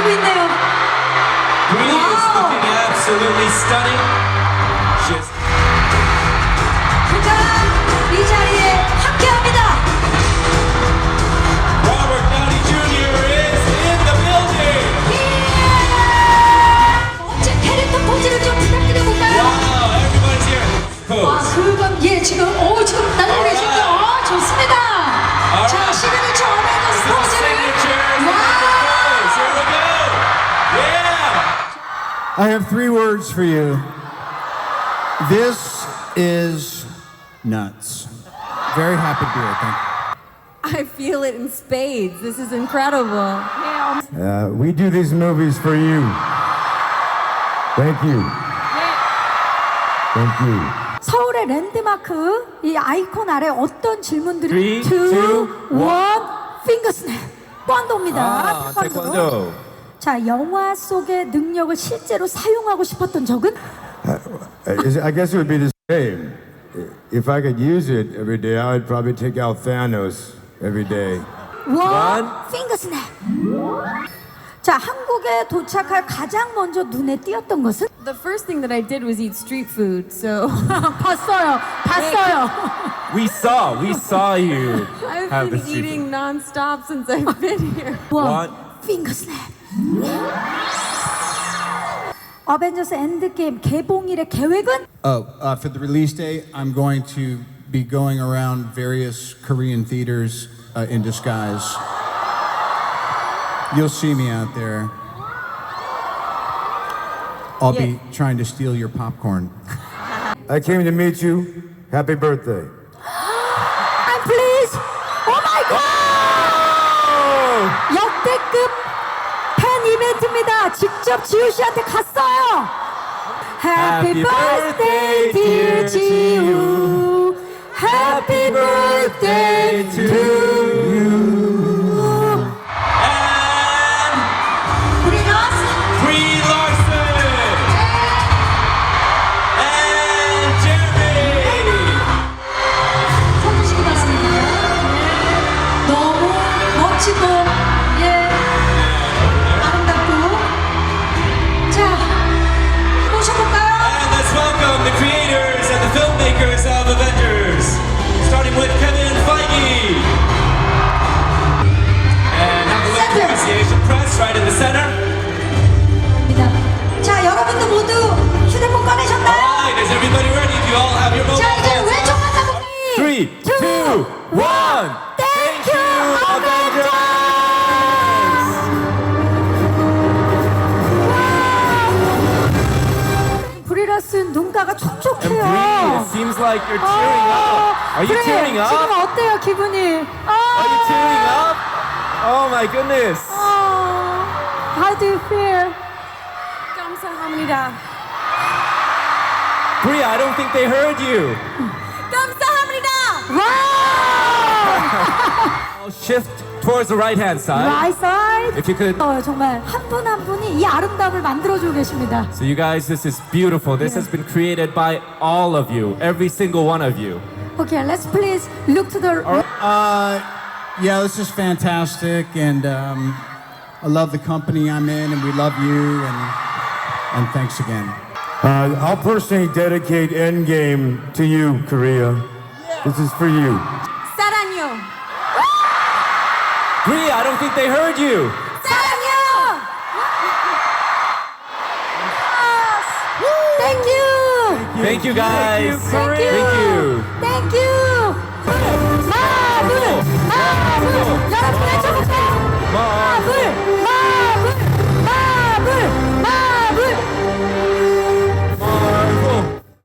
기다리고 있네요. Bree is looking absolutely stunning. She's 그가 이 자리에 함께합니다. Robert Downey Jr. is in the building. 멋진 캐릭터 포즈를 좀 부탁드려볼까요? Wow, everybody's here. 아, Pose. 그건 지금 날리고 계신데 좋습니다. 자, 시그니처 어벤져스 This is the 포즈를 signatures. 와! Here we go. Yeah. I have 3 words for you. This is nuts. Very happy to be here. Thank you. I feel it in spades. This is incredible. We do these movies for you. Thank you. Thank you. 서울의 랜드마크 이 아이콘 아래 어떤 질문들이 3, 2, 1 핑거스냅 태권도입니다. 태권도. 자, 영화 속의 능력을 실제로 사용하고 싶었던 적은? I guess it would be the same. If I could use it every day, I would probably take out Thanos every day. 원 핑거스냅. 자, 한국에 도착할 가장 먼저 눈에 띄었던 것은? The first thing that I did was eat street food, so 봤어요. We saw you I've have the been street eating nonstop since I've been here. 원 핑거스냅. 어벤져스 엔드게임 개봉일의 계획은? For the release date, I'm going to be going around various Korean theaters in disguise. You'll see me out there. I'll be trying to steal your popcorn. I came to meet you. Happy birthday. I'm pleased. Oh my god. 역대급 팬 이벤트입니다. 직접 지우 씨한테 갔어요. Happy birthday dear 지우. Happy birthday to you. 우리 러스. Brie Larson and Jeremy. 서주시기 바랍니다. 너무 멋지고 아름답고 자 모셔볼까요? And let's welcome the creators and the filmmakers of Avengers, starting with Kevin Feige. And have a look Center. towards the Asian press right in the center. 자 여러분들 모두 휴대폰 꺼내셨나요? Alright, is everybody ready? Do you all have your mobile 자 이제 phones 왼쪽 out? 만나보기 3, 2, 1. Thank you Avengers! 브리라스는 눈가가 And Brie, 촉촉해요. it seems like you're tearing up. Are you 그래, tearing up? 지금 어때요 기분이? Are you tearing up? Oh my goodness. How do you feel? 감사합니다. Brie, I don't think they heard you. 감사합니다. Wow! I'll shift towards the right hand side. Right side. If you could. 정말 한 분 한 분이 이 아름다움을 만들어주고 계십니다. So you guys, this is beautiful. This has been created by all of you, every single one of you. Okay, let's please look to the. Yeah, this is fantastic, and I love the company I'm in, and we love you, and thanks again. I'll personally dedicate Endgame to you, Korea. This is for you. 사랑요. Brie, I don't think they heard you. 사랑해요. Thank you. Thank you guys. Thank you. Thank you. Thank you.